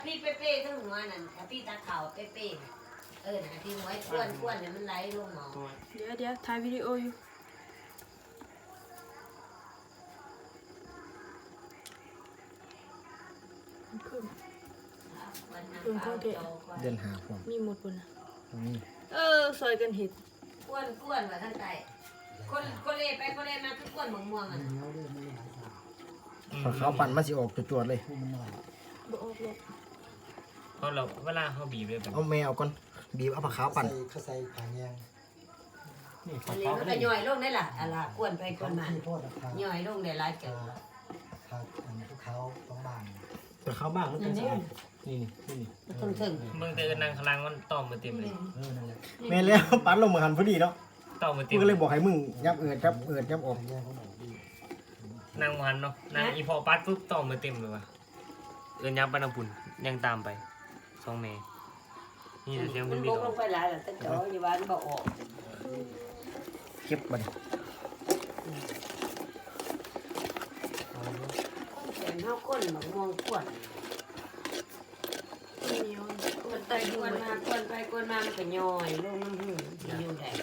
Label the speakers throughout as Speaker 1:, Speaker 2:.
Speaker 1: พี่เป๊ะๆทั้งหัวนั่นพี่ตาขาวเป๊ะๆนะพี่หัวอ้วนเนี่ยมันไหลลงหมอ
Speaker 2: เดี๋ยวถ่ายวิดีโออยู่เพิ่มข้าวเกะ
Speaker 3: เดินหาผม
Speaker 2: มีหมดบนนะ
Speaker 3: นี่
Speaker 2: ซอยกันเห็ด
Speaker 1: ก้วนว่าทั้งใจคนเล่ไปคนเล่มาทุกก้วนม่วงอ่ะ
Speaker 3: เขาปั่นมาสิออกจวดๆเลย
Speaker 2: บ่ออกหรอก
Speaker 4: เพราะเราเวลาเขาบีบเลยแบบ
Speaker 3: เอาแมวก่อนบีบเอาผักขาวปั่น
Speaker 5: เขาใส่ผางแยง
Speaker 4: นี่
Speaker 1: อันนี้
Speaker 4: เขา
Speaker 1: มันก็ย่อยลงได้ล่ะอะไรก้วนไปก้วนมา
Speaker 5: ที่โพดนะครับ
Speaker 1: ย่อยลงได้หลายเกิน
Speaker 5: ผักอันพวกเขาต้องบาง
Speaker 3: ผักขาวบ้างมันเป็นสะอาดนี่นี่
Speaker 1: ถึง
Speaker 4: มึงเตือนนางคลังมันต้อมมาเต็มเลย
Speaker 5: นั่นแหละ
Speaker 3: แม่แล้วปั่นลงมือหันพอดีเนาะ
Speaker 4: ต้อมมาเต็
Speaker 3: มึ
Speaker 4: ม
Speaker 3: งก็เลยบอกให้มึงยับเอิดยับออก
Speaker 5: ผางแยงเขาบอกดี
Speaker 4: นางมันเนาะนางอีพอปัดปุ๊บต้อมมาเต็มเลยว่ะเอินยับปานำปุ่นยังตามไปสองเมย์นี่เสียง
Speaker 1: มั
Speaker 4: มัน น
Speaker 1: บ
Speaker 4: บีบ
Speaker 1: กลงไปหลายแล้วแต่จ่ออยู่บ้านบ่ออก
Speaker 3: เก็บบัดนี้
Speaker 1: เสียงเฮาก้นม่วงก้วน
Speaker 2: เหนียว
Speaker 1: มันไปก้วนมาก้วนไปก้วนมามันก็ย่อยลงน้ำหูอยู่ได้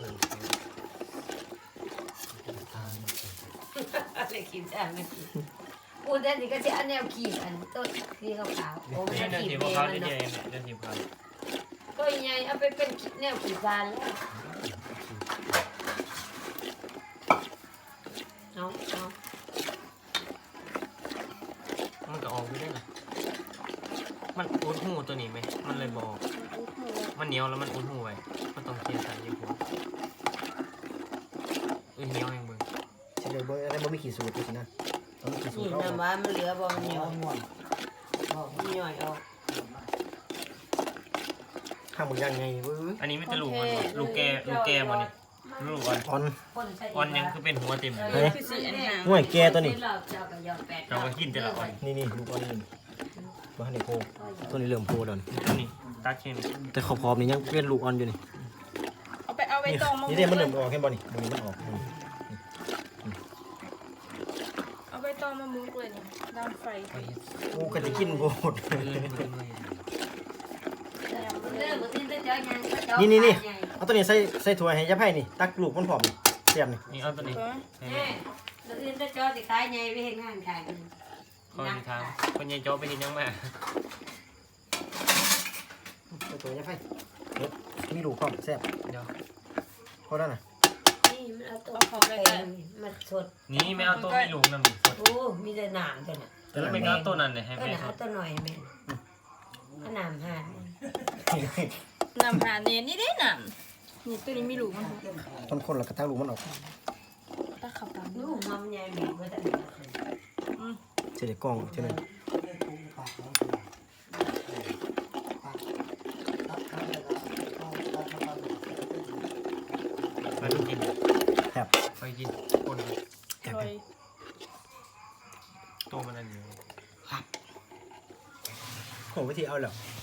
Speaker 1: อะไรกินจ้าไม่กินปูแต่นี่ก็จะอันแนวขีดอันต้นที่ขาวๆโอ้ไม่
Speaker 4: เดี๋ยว
Speaker 1: ขีด
Speaker 4: ที
Speaker 1: เม
Speaker 4: พวก
Speaker 1: ย์
Speaker 4: เขา
Speaker 1: มัน
Speaker 4: เดี๋ยว
Speaker 1: เนาะ
Speaker 4: เดี๋ยวทีพวกเขา
Speaker 1: ก็ยังไงเอาไปเป็นแนวขีดการแล้วเอา
Speaker 4: มันก็ออกไม่ได้หรอมันอุดหูตัวนี้ไหมมันเลยบอกมันเหนียวแล้วมันอุดหูไว้มันต้องเคี่ยวใส่ยี่ห้อเหนียวยังเบิ่ง
Speaker 3: เฉลยบ่อะไรบ่มีขีดสูตรสินะต้องมีขีดสูต
Speaker 1: นี่
Speaker 3: รเอา
Speaker 1: น้ำว่ามันเหลือบ่มัน
Speaker 5: เอา
Speaker 1: ย่อย
Speaker 5: ง่วน
Speaker 1: บอกมันย่อยออก
Speaker 3: ข้างมึงยังไงเว้ย
Speaker 4: อันนี้ไม่จะลูกมันลูกแกมันนี่ลูกอ่อน
Speaker 3: อ่อน
Speaker 4: อ่อนยังคือเป็นหัวเต็มเลย
Speaker 2: คือสีอันหาง
Speaker 3: ห่วยแกตัวนี้
Speaker 4: เราก็กินแต่ละอ่อน
Speaker 3: นี่ลูกอ่อนนี่บ้านในโพตัวนี้เริ่มโพแล้วนี่
Speaker 4: ตัวนี้ตัดเช่น
Speaker 3: แต่ขอบๆนี่ยังเป็นลูกอ่อนอยู่นี่
Speaker 2: เอาไปตองมา
Speaker 3: นี่เด้มันเริ่มออกแค่บ่นี่มันออก
Speaker 2: เอาไปตองมามุกเลยนี่ดังไฟ
Speaker 3: กูก็จะกินโพด นี่เอาตัวนี้ใส่ถ้วยให้ยับให้นี่ตักลูกมันผอมเสียบนี่
Speaker 4: นี่เอาตัวนี้
Speaker 1: แล้วอื่นจะจอสิขายไงไปเห็นงานขาย
Speaker 4: คอยทางคนยายโจ๊ไปเห็นยังมา
Speaker 3: ใส่ถ้วยยับให้มีลูกพร้อมแซ่บ
Speaker 4: เดี๋ยว
Speaker 3: พอแล้วนะ
Speaker 1: นี่มันเอาตัวมันสด
Speaker 4: นี่ไม่เอาตัวไม่ลุงนะมึง
Speaker 1: โอ้มีแต่หนามตัวน่ะ
Speaker 4: แล้วไม่เอาตัวนั้นเลยให้
Speaker 1: ก็
Speaker 4: แม่
Speaker 1: หนาตัวหน่อยแม่ก็หนามหา
Speaker 2: น้ำหาเนี่ยนี่ได้น้ำนี่ตัวนี้มีลูกมัน
Speaker 3: คนๆแล้วก็ตักลูกมันออก
Speaker 2: ตาขับตาม
Speaker 1: ลูกมันใหญ่บีบไว้แต่
Speaker 3: เสียกล้องเท่านั้น
Speaker 5: ปากของปากตัดเขาเลยแล้วตัดเขา
Speaker 4: ไปดูกิน
Speaker 3: แซ่บ
Speaker 4: ไปกินคน
Speaker 3: แซ่บ
Speaker 2: ซอย
Speaker 4: ตัวมันนั่นอยู่
Speaker 3: โหวิธีเอาแล้ว
Speaker 4: เ